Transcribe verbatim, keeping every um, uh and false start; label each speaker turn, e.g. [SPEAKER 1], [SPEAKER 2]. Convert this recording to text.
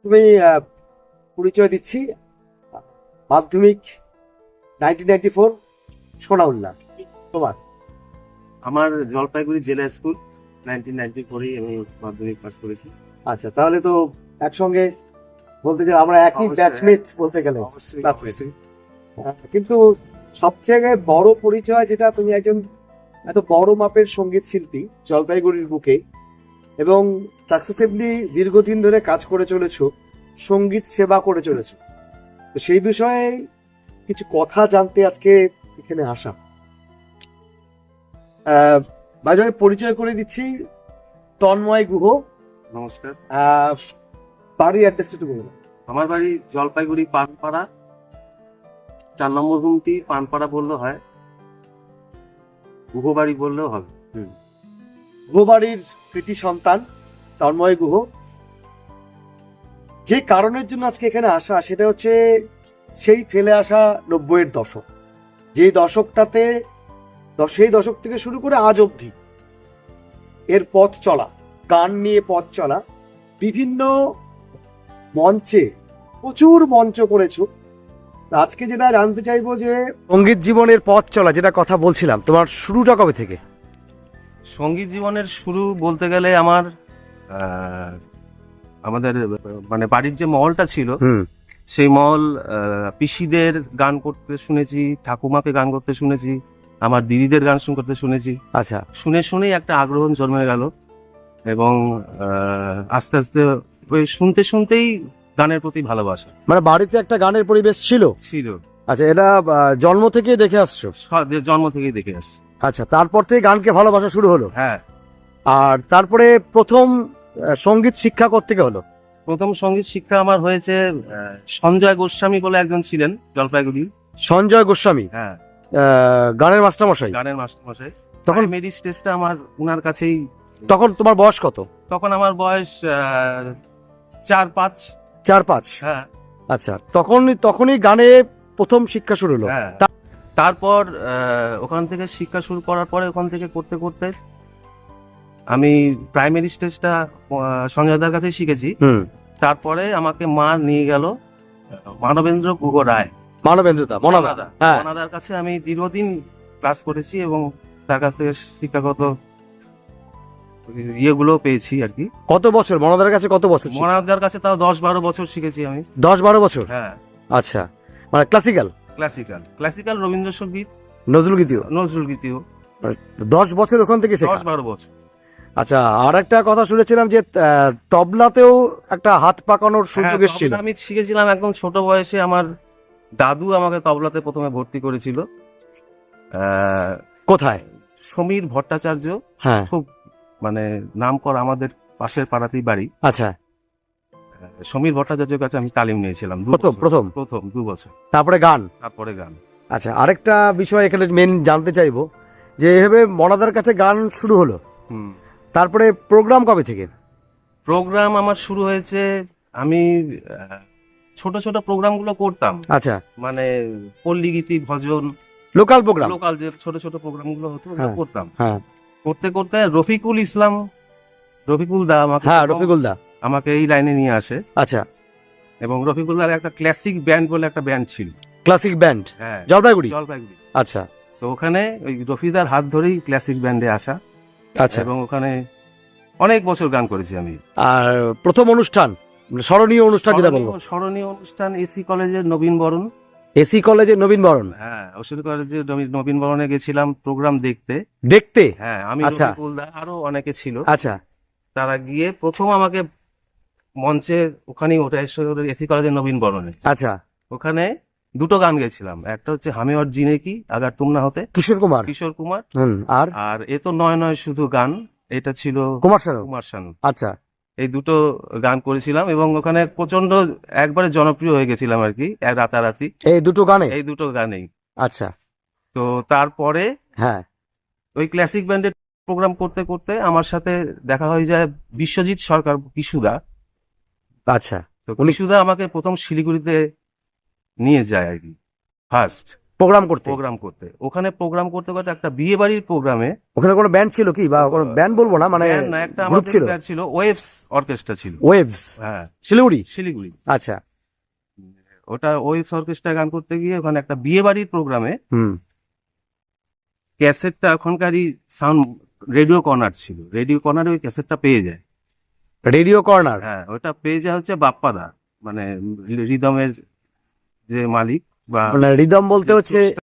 [SPEAKER 1] তুমি আহ, পরিচয় দিচ্ছি, মাধ্যমিক নাইনটিন নাইনটি ফোর সোনাউল্লাহ তোমার।
[SPEAKER 2] আমার জলপাইগুড়ি জেলা স্কুল নাইনটিন নাইনটি ফোরেই আমি মাধ্যমিক পাস করেছি।
[SPEAKER 1] আচ্ছা, তাহলে তো একসঙ্গে বলতে গেলে আমরা একই
[SPEAKER 2] অবশ্যই,
[SPEAKER 1] ব্যাচমেট বলতে গেলে।
[SPEAKER 2] অবশ্যই
[SPEAKER 1] Classmate।
[SPEAKER 2] অবশ্যই।
[SPEAKER 1] আহ, কিন্তু সবচেয়ে বড় পরিচয় যেটা, তুমি একজন এত বড় মাপের সঙ্গীত শিল্পী জলপাইগুড়ির বুকে, এবং সাকসেসিভলি দীর্ঘদিন ধরে কাজ করে চলেছো, সঙ্গীত সেবা করে চলেছো। তো সেই বিষয়ে কিছু কথা জানতে আজকে এখানে আসা। আহ, মাঝে মাঝে পরিচয় করে দিচ্ছি, তন্ময় গুহ।
[SPEAKER 2] নমস্কার।
[SPEAKER 1] আহ, বাড়ির অ্যাড্রেসটা একটু বলুন।
[SPEAKER 2] আমার বাড়ি জলপাইগুড়ি পানপাড়া, চার নম্বর গুমটি। পানপাড়া বললেও হয়, গুহবাড়ি বললেও হবে।
[SPEAKER 1] গুহ বাড়ির কৃতি সন্তান তন্ময় গুহ। যে কারণের জন্য আজকে এখানে আসা, সেটা হচ্ছে সেই ফেলে আসা নব্বইয়ের দশক, যে দশকটাতে দ- সেই দশক থেকে শুরু করে আজ অবধি এর পথ চলা, গান নিয়ে পথ চলা, বিভিন্ন মঞ্চে প্রচুর মঞ্চ করেছো। তো আজকে যেটা জানতে চাইবো যে সঙ্গীত জীবনের পথ চলা, যেটা কথা বলছিলাম, তোমার শুরুটা কবে থেকে?
[SPEAKER 2] সঙ্গীত জীবনের শুরু বলতে গেলে আমার আহ, আমাদের মানে বাড়ির যে মহলটা ছিল,
[SPEAKER 1] হুম
[SPEAKER 2] সেই মহল আহ, পিসিদের গান করতে শুনেছি, ঠাকুমাকে গান করতে শুনেছি, আমার দিদিদের গান শুন করতে শুনেছি।
[SPEAKER 1] আচ্ছা,
[SPEAKER 2] শুনে শুনেই একটা আগ্রহ জন্মে গেল, এবং আহ, আস্তে আস্তে ওই শুনতে শুনতেই গানের প্রতি ভালোবাসা
[SPEAKER 1] মানে বাড়িতে একটা গানের পরিবেশ ছিল।
[SPEAKER 2] ছিল।
[SPEAKER 1] আচ্ছা, এটা আহ, জন্ম থেকেই দেখে আসছো?
[SPEAKER 2] স- জন্ম থেকেই দেখে আসছি।
[SPEAKER 1] আচ্ছা, তারপর থেকে গানকে ভালোবাসা শুরু হলো।
[SPEAKER 2] হ্যাঁ,
[SPEAKER 1] আর তারপরে প্রথম আহ, সঙ্গীত শিক্ষা কোত্থেকে হলো?
[SPEAKER 2] প্রথম সঙ্গীত শিক্ষা আমার হয়েছে আহ, সঞ্জয় গোস্বামী বলে একজন ছিলেন জলপাইগুড়ি।
[SPEAKER 1] সঞ্জয় গোস্বামী,
[SPEAKER 2] হ্যাঁ,
[SPEAKER 1] আহ, গানের মাস্টারমশাই।
[SPEAKER 2] গানের মাস্টারমশাই।
[SPEAKER 1] তখন
[SPEAKER 2] তখন মেরি স্টেজটা আমার উনার কাছেই।
[SPEAKER 1] তখন তোমার বয়স কত?
[SPEAKER 2] তখন আমার বয়স আহ, চার পাঁচ।
[SPEAKER 1] চার পাঁচ।
[SPEAKER 2] হ্যাঁ,
[SPEAKER 1] আচ্ছা, তখন তখনই গানে প্রথম শিক্ষা শুরু হলো।
[SPEAKER 2] হ্যাঁ। তারপর আহ, ওখান থেকে শিক্ষা শুরু করার পরে ওখান থেকে করতে করতে আমি প্রাইমারি স্টেজটা সঞ্জয়দার কাছে শিখেছি।
[SPEAKER 1] হুম,
[SPEAKER 2] তারপরে আমাকে মা নিয়ে গেল মানবেন্দ্র গুহ রায়,
[SPEAKER 1] মানবেন্দ্রদা, মনাদা। হ্যাঁ,
[SPEAKER 2] ওনাদের কাছে আমি দীর্ঘদিন ক্লাস করেছি এবং তার কাছ থেকে শিক্ষাগত ইয়েগুলো পেয়েছি আর কি।
[SPEAKER 1] কত বছর মনাদার কাছে? কত বছর?
[SPEAKER 2] মনাদার কাছে তাও দশ বারো বছর শিখেছি আমি।
[SPEAKER 1] দশ বারো বছর।
[SPEAKER 2] হ্যাঁ,
[SPEAKER 1] আচ্ছা, মানে classical,
[SPEAKER 2] classical classical Rabindrasangeet,
[SPEAKER 1] Nazrul গীতিও।
[SPEAKER 2] নজরুল গীতিও
[SPEAKER 1] দশ বছর ওখান থেকে শেখা।
[SPEAKER 2] দশ বারো বছর।
[SPEAKER 1] আচ্ছা, আর একটা কথা শুনেছিলাম যে আহ, তবলাতেও একটা হাত পাকানোর
[SPEAKER 2] হ্যাঁ,
[SPEAKER 1] সুযোগ এসেছিল।
[SPEAKER 2] তবলা আমি শিখেছিলাম একদম ছোট বয়সে। আমার দাদু আমাকে তবলাতে প্রথমে ভর্তি করেছিল। আহ,
[SPEAKER 1] কোথায়?
[SPEAKER 2] সমীর ভট্টাচার্য,
[SPEAKER 1] হ্যাঁ,
[SPEAKER 2] খুব মানে নাম করা, আমাদের পাশের পাড়াতেই বাড়ি।
[SPEAKER 1] আচ্ছা।
[SPEAKER 2] সমীর ভট্টাচার্যের কাছে আমি তালিম নিয়েছিলাম দু
[SPEAKER 1] প্রথম
[SPEAKER 2] বছর।
[SPEAKER 1] প্রথম
[SPEAKER 2] প্রথম দু বছর,
[SPEAKER 1] তারপরে গান।
[SPEAKER 2] তারপরে গান।
[SPEAKER 1] আচ্ছা, আরেকটা বিষয় এখানে মেন জানতে চাইবো, যে এভাবে মনাদার কাছে গান শুরু হলো,
[SPEAKER 2] হুম।
[SPEAKER 1] তারপরে প্রোগ্রাম কবে থেকে?
[SPEAKER 2] প্রোগ্রাম আমার শুরু হয়েছে, আমি আহ, ছোট ছোট প্রোগ্রামগুলো করতাম,
[SPEAKER 1] আচ্ছা,
[SPEAKER 2] মানে পল্লী গীতি, ভজন,
[SPEAKER 1] লোকাল প্রোগ্রাম।
[SPEAKER 2] লোকাল যে ছোট ছোট প্রোগ্রামগুলো হতো ওগুলো
[SPEAKER 1] হ্যাঁ।
[SPEAKER 2] করতাম।
[SPEAKER 1] হ্যাঁ
[SPEAKER 2] করতে করতে রফিকুল ইসলাম, রফিকুল দা আমাকে
[SPEAKER 1] হ্যাঁ,
[SPEAKER 2] প্রথম
[SPEAKER 1] রফিকুল দা।
[SPEAKER 2] আমাকে এই লাইনে নিয়ে আসে।
[SPEAKER 1] আচ্ছা,
[SPEAKER 2] এবং রফিকুল দার একটা ক্লাসিক ব্যান্ড বলে একটা ব্যান্ড ছিল।
[SPEAKER 1] ক্লাসিক ব্যান্ড,
[SPEAKER 2] হ্যাঁ,
[SPEAKER 1] জলপাইগুড়ি।
[SPEAKER 2] জলপাইগুড়ি।
[SPEAKER 1] আচ্ছা
[SPEAKER 2] তো ওখানে ওই রফিদার হাত ধরেই ক্লাসিক ব্যান্ডে আসা,
[SPEAKER 1] আচ্ছা।
[SPEAKER 2] এবং ওখানে অনেক বছর গান করেছি আমি।
[SPEAKER 1] আর প্রথম অনুষ্ঠান, মানে স্মরণীয় অনুষ্ঠান যেটা বলবো,
[SPEAKER 2] স্মরণীয়- স্মরণীয় অনুষ্ঠান এসি কলেজের নবীন বরণ।
[SPEAKER 1] এসি কলেজে নবীন বরণ।
[SPEAKER 2] হ্যাঁ, ওসি কলেজের নবীন- নবীন বরণে গেছিলাম প্রোগ্রাম দেখতে।
[SPEAKER 1] দেখতে?
[SPEAKER 2] হ্যাঁ, আমি,
[SPEAKER 1] আচ্ছা।
[SPEAKER 2] রফিকুল দা, আরো অনেকে ছিল।
[SPEAKER 1] আচ্ছা
[SPEAKER 2] তারা গিয়ে প্রথম আমাকে মঞ্চে ওখানেই ওঠে এসি কলেজের নবীন বরণে।
[SPEAKER 1] আচ্ছা।
[SPEAKER 2] ওখানে দুটো গান গেছিলাম, একটা হচ্ছে হামি और জিনে কি আগার তুম না হতে,
[SPEAKER 1] কিশোর কুমার।
[SPEAKER 2] কিশোর কুমার।
[SPEAKER 1] হুম, আর
[SPEAKER 2] আর এ তো নয় নয় শুধু গান, এটা ছিল
[SPEAKER 1] কুমার শানু।
[SPEAKER 2] কুমার শানু।
[SPEAKER 1] আচ্ছা
[SPEAKER 2] এই দুটো গান করেছিলাম এবং ওখানে প্রচন্ড একবারে জনপ্রিয় হয়ে গেছিলাম আর কি, এক রাতারাতি
[SPEAKER 1] এই দুটো গানে?
[SPEAKER 2] এই দুটো গানেই।
[SPEAKER 1] আচ্ছা,
[SPEAKER 2] তো তারপরে
[SPEAKER 1] হ্যাঁ।
[SPEAKER 2] ওই ক্লাসিক ব্যান্ডের প্রোগ্রাম করতে করতে আমার সাথে দেখা হয়ে যায় বিশ্বজিৎ সরকার, কিশুদা।
[SPEAKER 1] আচ্ছা,
[SPEAKER 2] তো কিশুদা আমাকে প্রথম শিলিগুড়িতে নিয়ে যায় আর কি, ফার্স্ট।
[SPEAKER 3] প্রোগ্রাম করতে।
[SPEAKER 2] প্রোগ্রাম করতে। ওখানে প্রোগ্রাম করতে করতে একটা বিয়ে বাড়ির প্রোগ্রামে,
[SPEAKER 3] ওখানে কোনো ব্যান্ড ছিল কি, বা কোনো ব্যান্ড বলবো না, মানে
[SPEAKER 2] band না, একটা
[SPEAKER 3] গ্রুপ
[SPEAKER 2] আমাদের
[SPEAKER 3] ছিল?
[SPEAKER 2] band ছিল, ওয়েভস অর্কেস্ট্রা ছিল।
[SPEAKER 3] ওয়েভস,
[SPEAKER 2] হ্যাঁ,
[SPEAKER 3] শিলিগুড়ি।
[SPEAKER 2] শিলিগুড়ি।
[SPEAKER 3] আচ্ছা।
[SPEAKER 2] ওটা ওয়েভস অর্কেস্ট্রা গান করতে গিয়ে ওখানে একটা বিয়ে বাড়ির প্রোগ্রামে
[SPEAKER 3] হুম।
[SPEAKER 2] ক্যাসেটটা এখনকারই সাউন্ড রেডিও কর্নার ছিল, রেডিও কর্নারে ওই ক্যাসেটটা পেয়ে যায়।
[SPEAKER 3] Radio corner.
[SPEAKER 2] হ্যাঁ, ওটা পেয়ে যায় হচ্ছে বাপ্পাদা, মানে রিদমের যে মালিক বা
[SPEAKER 3] মানে রিদম বলতে হচ্ছে